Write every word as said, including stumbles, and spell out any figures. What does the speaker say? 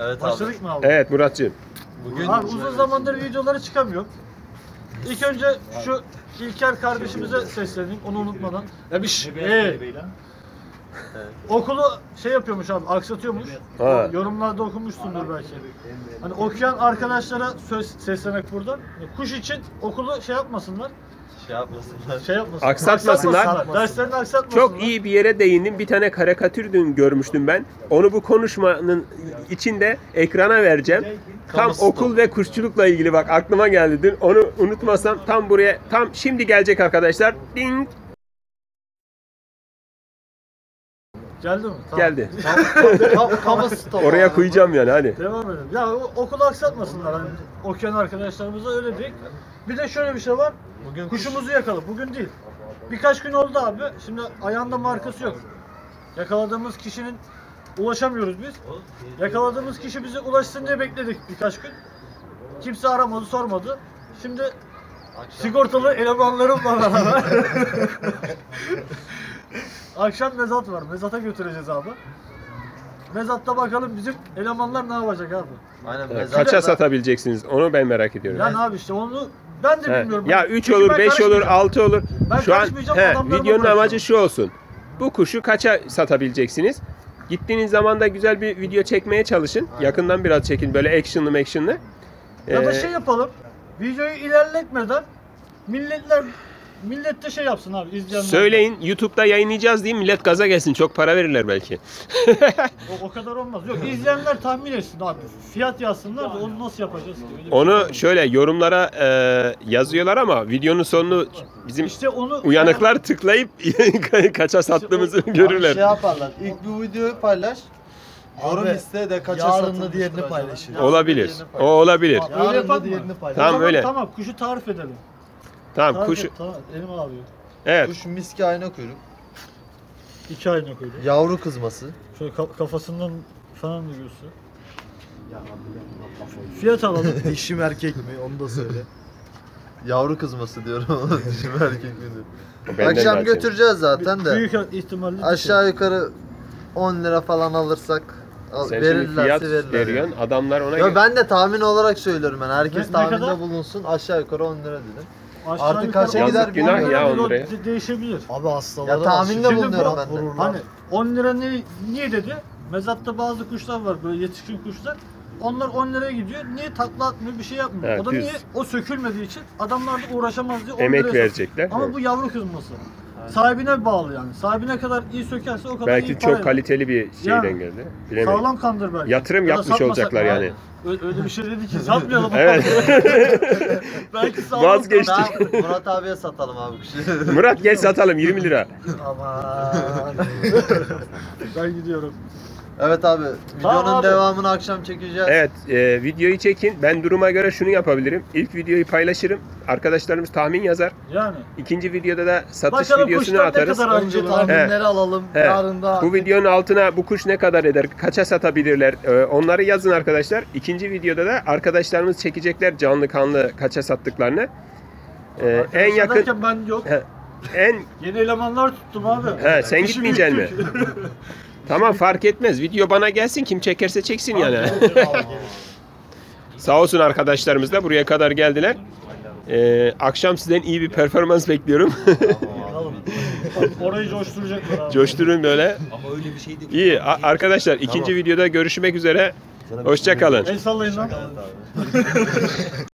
Evet Başladık abi. mı abi? Evet Muratcığım. Bugün Abi uzun zamandır videoları çıkamıyor. İlk önce şu İlker kardeşimize sesleneyim onu unutmadan. Ya bir şş, ee, okulu şey yapıyormuş abi, aksatıyormuş. Ha. Yorumlarda okumuşsundur belki. Hani okuyan arkadaşlara söz seslemek buradan. Kuş için okulu şey yapmasınlar. şey yapmasınlar. Şey yapmasınlar. Aksatmasınlar. Aksatmasınlar. Derslerini aksatmasınlar. Çok iyi bir yere değindim. Bir tane karikatür dün görmüştüm ben. Onu bu konuşmanın içinde ekrana vereceğim. Tam Kamu okul sporu. ve kuşçulukla ilgili bak aklıma geldi dün. Onu unutmasam tam buraya, tam şimdi gelecek arkadaşlar. Ding Geldi mi? Tamam. geldi. Kamu stopu. Oraya koyacağım yani hadi. Devam edelim. Ya o- okulu aksatmasınlar hani okuyan arkadaşlarımıza öyle değil. Bir de şöyle bir şey var. Bugün Kuşumuzu yakaladık. Bugün değil. Birkaç gün oldu abi. Şimdi ayağında markası yok. Yakaladığımız kişinin ulaşamıyoruz biz. Yakaladığımız kişi bize ulaşsın diye bekledik birkaç gün. Kimse aramadı, sormadı. Şimdi sigortalı elemanlarımla beraber akşam mezat var. Mezata götüreceğiz abi. Mezatta bakalım bizim elemanlar ne yapacak abi. Aynen Evet, mezarda kaça da- satabileceksiniz? Onu ben merak ediyorum. Yani abi işte onu ben de He. bilmiyorum. Ya Ben- üç çünkü olur, ben beş olur, karışmayacağım. altı olur. Ben Şu an karışmayacağım, he, adamlarıma videonun bırakıyorum. amacı şu olsun. Bu kuşu kaça satabileceksiniz? Gittiğiniz zaman da güzel bir video çekmeye çalışın. Yakından biraz çekin böyle actionlı actionlı. Ya da Ee, şey yapalım. Videoyu ilerletmeden milletler millet de şey yapsın abi izleyenler. Söyleyin YouTube'da yayınlayacağız diye millet gaza gelsin. Çok para verirler belki. O, o kadar olmaz. Yok izleyenler tahmin etsin abi. Fiyat yazsınlar da onu nasıl yapacağız ki? Öyle bir şey Onu var. şöyle yorumlara e, yazıyorlar ama videonun sonunu bizim işte onu uyanıklar tıklayıp kaça sattığımızı görürler. Şey yaparlar. İlk bu videoyu paylaş. Yorum Abi, iste de kaça yarın da satılmıştır diğerini acaba? paylaşır. Yarın da Olabilir. diğerini O paylaş. olabilir. Öyle Yarın yapalım da mı? diğerini paylaş. Tamam, Tamam, öyle. Tamam kuşu tarif edelim. Tamam Tarif kuş. et, tamam elim ağrıyor. Evet. Kuş miski ayna kuyruk. İki ayna koydum. Yavru kızması. Şöyle ka- kafasından falan da göster. Fiyat alalım. Dişi mi erkek mi onu da söyle. Yavru kızması diyorum ama dişi mi erkek mi diyor. Benden Akşam daha götüreceğiz zaten de. Büyük ihtimalle Aşağı yukarı on lira falan alırsak al- Sen şimdi verirlerse fiyat verirler. veriyorsun. Adamlar ona Ya göre. ben de tahmin olarak söylüyorum ben. Herkes Ne- ne tahminde kadar? bulunsun. Aşağı yukarı on lira dedim. Aşağı Artık yukarı kaça on gider lira, günah on lira ya bir on o liraya. de- değişebilir. Abi hastalara Ya tahminde şimdi bulunuyorum bu- ben de. vururlar. Hani on lira ne, niye dedi? Mezatta bazı kuşlar var böyle yetişkin kuşlar. Onlar on liraya gidiyor. Niye takla atmıyor, bir şey yapmıyor. Evet, o da düz. niye? O sökülmediği için adamlar da uğraşamaz diye on Emek liraya satıyor. verecekler. Ama bu yavru kızması. Sahibine bağlı yani. Sahibine kadar iyi sökerse o kadar iyi Belki para çok eder. kaliteli bir şeyden Yani. geldi. Bilemedim. Sağlam kandır belki. Yatırım Ya da yapmış satmasak olacaklar mı yani. abi? Öyle, öyle bir şey dedi ki satmayalım. Evet. Belki sağlam Vazgeçtik. kandır. Tamam, Murat abiye satalım abi kuşu. Murat gel satalım yirmi lira. Aman. Ben gidiyorum. Evet abi. Videonun Tamam abi. devamını akşam çekeceğiz. Evet e, videoyu çekin. Ben duruma göre şunu yapabilirim. İlk videoyu paylaşırım. Arkadaşlarımız tahmin yazar. Yani. İkinci videoda da satış Bakalım videosunu kuşlar ne atarız. kadar Önce acılı. tahminleri alalım. He. Yarın da Bu videonun altına bu kuş ne kadar eder, kaça satabilirler e, onları yazın arkadaşlar. İkinci videoda da arkadaşlarımız çekecekler canlı kanlı kaça sattıklarını. E, en yakın Derken ben yok. He, en Yeni elemanlar tuttum abi. He, sen İşi gitmeyeceksin mi? büyüttük. tamam fark etmez. Video bana gelsin kim çekerse çeksin yani. Abi, Sağ olsun arkadaşlarımız da buraya kadar geldiler. E, akşam sizden iyi bir performans bekliyorum. Bakalım. Orayı coşturacaklar abi. Coşturun böyle. Ama öyle bir şey değil. İyi a- arkadaşlar ikinci videoda görüşmek üzere. Hoşça kalın. El sallayın lan.